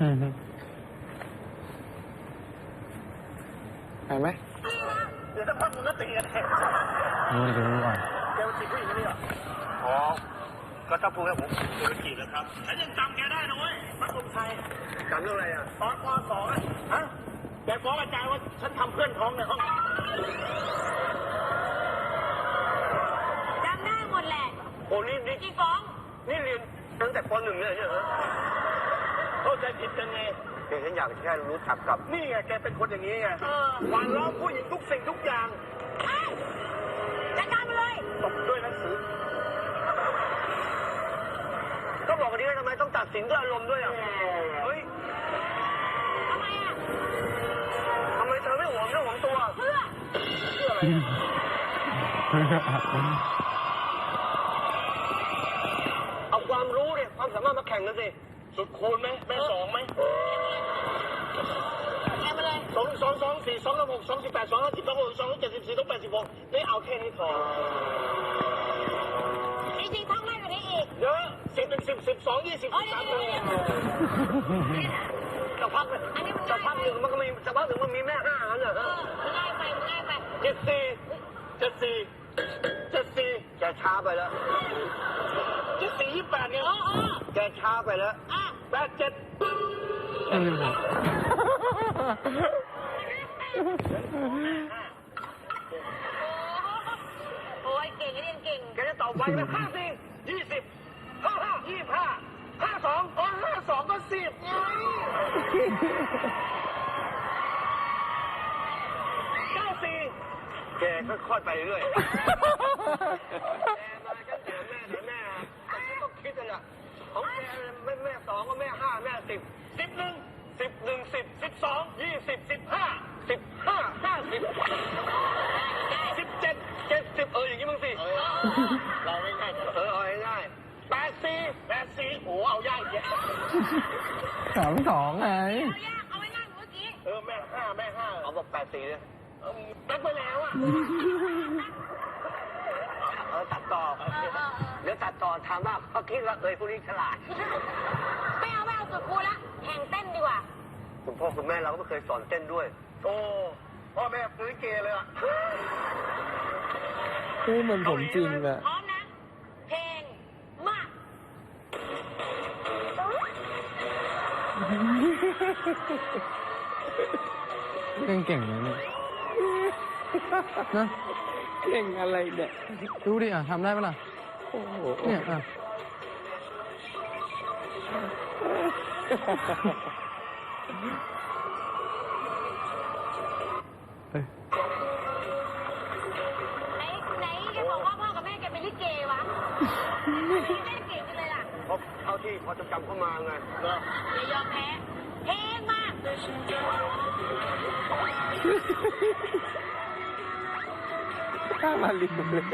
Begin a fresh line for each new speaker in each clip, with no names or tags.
ไปไหม
เดี๋ยวสักพักมึงก็ตีกัน
ดูก่อน
แกมาจีบผู้หญิงคนนี้เหรออ๋อก็ถ้าพูดแล้วผมเดี๋ยวจีบแล้วครับฉันยังจำแกได้นะเว้ยมัดลมชัยจำเรื่องอะไรอ่ะตอนป .2 อ่ะฮะแกฟ้องอาจารย์ว่าฉันทำเพื่อนท้องในห้อง
จำได้หมดแหละ
โอ้นี่
กี่ฟ้อง
นี่เรียนตั้งแต่ป .1 เลยใช่ไหมเข้าใจผิดกันไงฉันอยากแค่รู้จักกับนี่ไงแกเป็นคนอย่างนี้ไงหวานล้อมผู้หญิงทุกสิ่งทุกอย่าง
จัดการไปเลย
ตกด้วยหนังสือก็บอกกันนี้ทำไมต้องตัดสินด้วยอารมณ์ด้วยอ่ะเฮ้ย
ทำไมอ่ะ
ทำไมเธอไม่หวงเรื่องของตัว
เพื่อ
อะไรเอาความรู้เนี่ยความสามารถมาแข่งกันสิสุดคูณไหมแม่สองไหม
แข่งมาเลย
2 2 2 4 2 6 2 18 2 50 2 6 2 74 2 86นี่เอาแค่นี้พอ
จริงๆท่องมากกว่านี้อีก
เยอะ10 เป็น10 12 20 13จะพักเลยจะพักหนึ่งมันก็มีจะพักหนึ่งมันมีแม่ห้าอันเหรอ
ง่ายไป
74แกช้าไปแล้ว74 28เนี่ยแกช้าไปแล้ว87
โอ้ยเก่งเรียนเก่ง
แกจะตอบไวไหม54 20 55 25 52 52ก็10ไง94แกค่อยๆไปเรื่อยแม่ต้องคิดกันอ่ะของแกแม่2ก็แม่5แม่10 11 10 12 20 15 50 17 70อย่างนี้มึงสิเราไม่ง่ายเอาง่าย84โอ้เอายากแยะ
32ไง
เอาไม่ง่ายเมื่อกี้
แม่5เอาบอก84เลยตั้งไปแล้วอ่ะตัดต่อเดี๋ยวตัดต่อถามว่าเขาคิดว่าพวกนี้ฉลาด
ไม่เอาสุดคูละแข่งเต้นดีกว่า
คุณพ่อคุณแม่เราก็ไม่เคยสอนเต้นด้วยโอ้พ่อแม่ซื้อเกย์เลยอ่ะ
นี่เหมือนผมจริงอะ
พร้อมนะเพลงมา
เก่งเลยเนี่ยนะเก่งอะไรเนี่ยดูดิทำได้ปะล่ะโอ้โหเนี่ย
ไหนแกบอกว่าพ่อกับแม่แกเป็นลิเกวะแม่เก่งกันเลยล่ะ
เอาที่พอจะจำเข้ามาไง
อย่ายอมแพ้เพลงมา
ข้ามาลิมเลย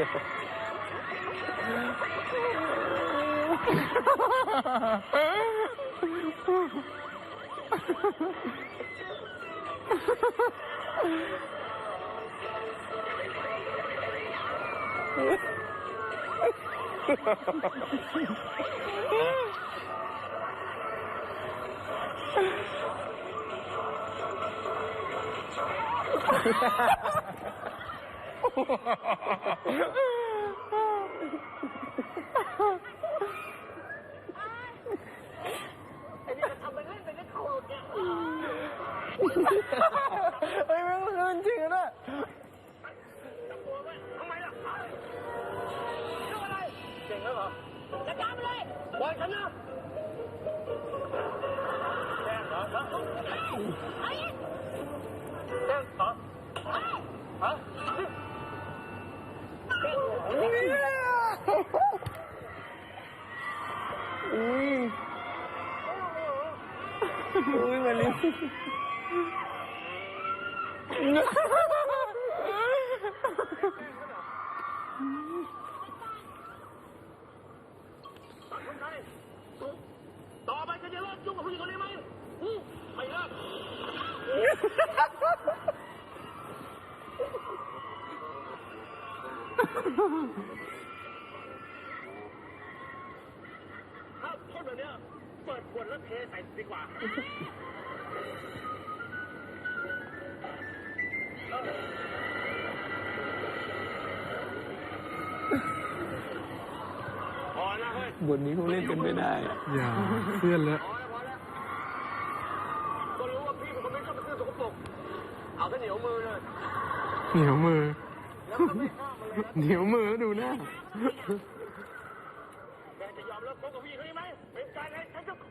ไอ้นี่จะทำไปเล่นไปเล่นโคตรเนี่ย
เฮ้ยมันจริงนะ
ทำไมล่ะเรื่องอะไรเก่งแล้วเหรอ
จัดการไปเลย
บอยฉันนะแจ้งเหรอแจ้งเหรอฮะ
อุ้ยมาลิ
ต่อไปจะเลิกยุ่งกับผู้หญิงคนนี้ไหมไม่เลิกถ้าพูดแบบนี้จปิดขวดแล้วเทใส่ดีกว่าพอแล้วเฮ้ย
บทนี้เขาเล่นกันไม่ได้อะ
อย่าเพื่อนแล้ว
พอแล้วก็รู้ว่าพี่เป็นคนไม่ชอบเป็นเรื่องสกปรกเอาแต่เหนียวมือเลย
เหนียวมือ
แล้วก็ไม่ห้ามมันเลย
เหนียวมือดูหน้า
แกจะยอมเลิกคบกับพี่เขาได้ไหมเป็นการให้ฉันจะ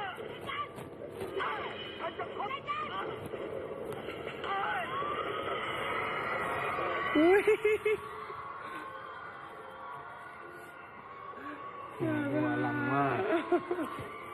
ฉันจะคบ
อุ้ยหัวลังมาก